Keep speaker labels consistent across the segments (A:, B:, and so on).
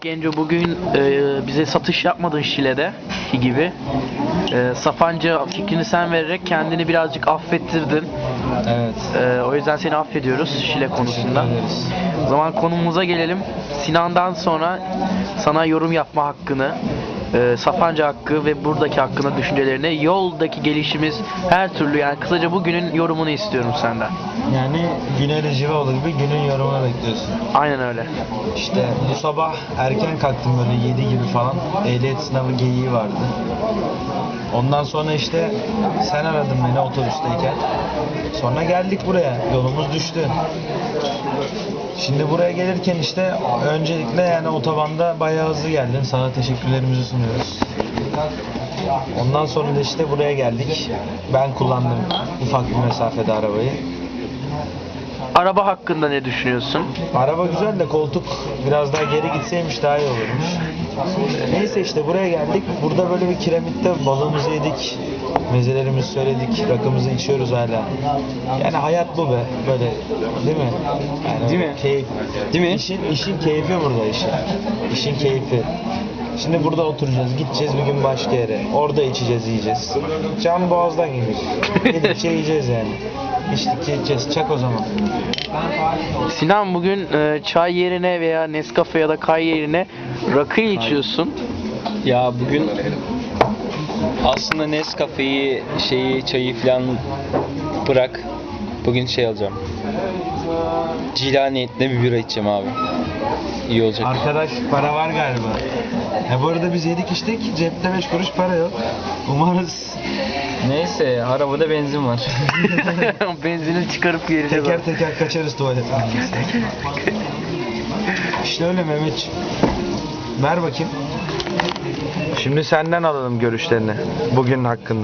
A: Genco, bugün bize satış yapmadın Şile'de gibi. Sapanca fikrini sen vererek kendini birazcık affettirdin.
B: Evet.
A: O yüzden seni affediyoruz Şile konusunda.
B: Teşekkür ederiz.
A: O zaman konumuza gelelim. Sinan'dan sonra sana yorum yapma hakkını, Sapanca hakkı ve buradaki hakkında düşüncelerini, yoldaki gelişimiz, her türlü, yani kısaca bugünün yorumunu istiyorum senden.
B: Yani Güner Civaoğlu gibi günün yorumunu bekliyorsun.
A: Aynen öyle.
B: İşte bu sabah erken kalktım, böyle 7 gibi falan. Ehliyet sınavı geyiği vardı. Ondan sonra işte sen aradın beni otobüsteyken. Sonra geldik buraya. Yolumuz düştü. Şimdi buraya gelirken işte öncelikle yani otobanda bayağı hızlı geldin. Sana teşekkürlerimizi sunuyoruz. Ondan sonra da işte buraya geldik. Ben kullandım ufak bir mesafede arabayı.
A: Araba hakkında ne düşünüyorsun?
B: Araba güzel de koltuk biraz daha geri gitseymiş daha iyi olurmuş. Neyse işte buraya geldik. Burada böyle bir kiremitte balığımızı yedik. Mezelerimizi söyledik. Rakımızı içiyoruz hala. Yani hayat bu be. Böyle değil mi? Yani
C: Değil mi?
B: Keyif.
C: Değil mi?
B: İşin keyfi burada işin. İşin keyfi. Şimdi burada oturacağız. Gideceğiz bir gün başka yere. Orada içeceğiz, yiyeceğiz. Can boğazdan gelir. Gidip yiyeceğiz yani. İçtik yiyeceğiz. Çak o zaman.
A: Sinan, bugün çay yerine veya Nescafe ya da kay yerine rakı içiyorsun.
C: Ya bugün aslında Nescafe'yi, çayı falan bırak. Bugün alacağım. Cila niyetinde bir bira içeceğim abi. İyi olacak.
B: Arkadaş para var galiba. Bu arada biz yedik içtik. Cepte 5 kuruş para yok. Umarız
C: Neyse, arabada benzin var.
A: Benzini çıkarıp geleceğiz.
B: teker teker kaçarız tuvalete. İşte öyle Mehmetciğim. Ver bakayım. Şimdi senden alalım görüşlerini bugün hakkında.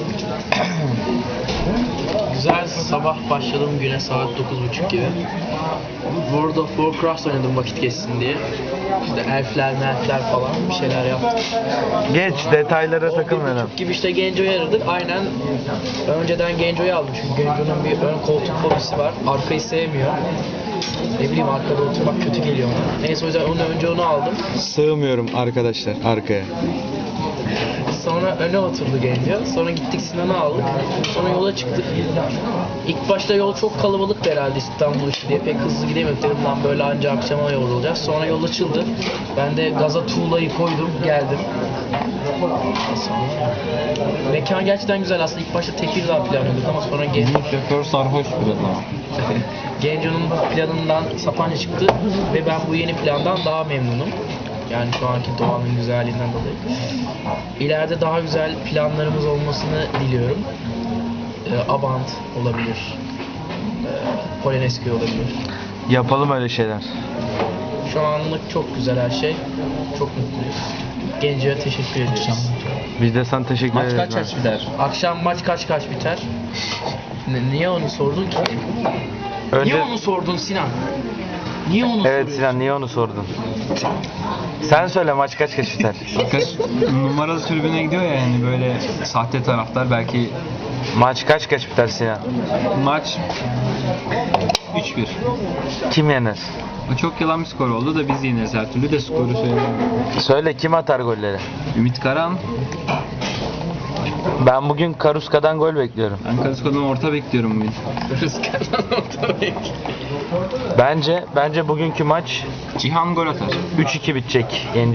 A: Güzel sabah başladım güne saat 9:30 gibi. World of Warcraft oynadım vakit geçsin diye. İşte elfler falan bir şeyler yaptık.
B: Geç detaylara
A: 11:30 gibi işte Genco'yu aradık. Aynen önceden Genco'yu aldım çünkü Genco'nun bir ön koltuk fobisi var. Arkayı sevmiyor. Ne bileyim, arkada oturmak kötü geliyor ona. Neyse, o yüzden önce onu aldım.
B: Sığmıyorum arkadaşlar arkaya.
A: Sonra öne oturdu Genco. Sonra gittik Sinan'ı aldık. Sonra yola çıktık. İlk başta yol çok kalabalıktı herhalde İstanbul işi diye. Pek hızlı gidemiyorduk. Dedim lan böyle anca akşama yol olacağız. Sonra yol açıldı. Ben de gaza tuğlayı koydum. Geldim. Mekan gerçekten güzel aslında. İlk başta Tekirdağ planlıyorduk ama sonra
C: Şoför sarhoş biraz ama.
A: Genco'nun planından Sapanca çıktı ve ben bu yeni plandan daha memnunum. Yani şu anki doğanın güzelliğinden dolayı. İleride daha güzel planlarımız olmasını diliyorum. Abant olabilir. Polonezköy olabilir.
B: Yapalım öyle şeyler.
A: Şu anlık çok güzel her şey. Çok mutluyuz. Genco'ya teşekkür ederiz.
B: Biz de sana teşekkür
C: Maç
B: ederiz.
C: kaç biter?
A: Akşam maç kaç biter? Niye onu sordun ki?
B: Önce...
A: Niye onu sordun Sinan? Niye onu
B: Evet
A: soruyorsun?
B: Sinan, niye onu sordun? Sen söyle, maç kaç biter?
C: Kaç numaralı tribüne gidiyor ya, yani böyle sahte taraftar, belki
B: Maç kaç biter Sinan?
C: maç 3-1.
B: Kim yener?
C: Çok yalan bir skor oldu da biz yeneriz her türlü, de skoru söyleyeyim.
B: Söyle, kim atar golleri?
C: Ümit Karan,
B: Ben bugün Karuska'dan gol bekliyorum.
C: ben Kadıköy'den orta bekliyorum bugün.
B: Bence bugünkü maç
C: Cihan gol atar.
B: 3-2 bitecek.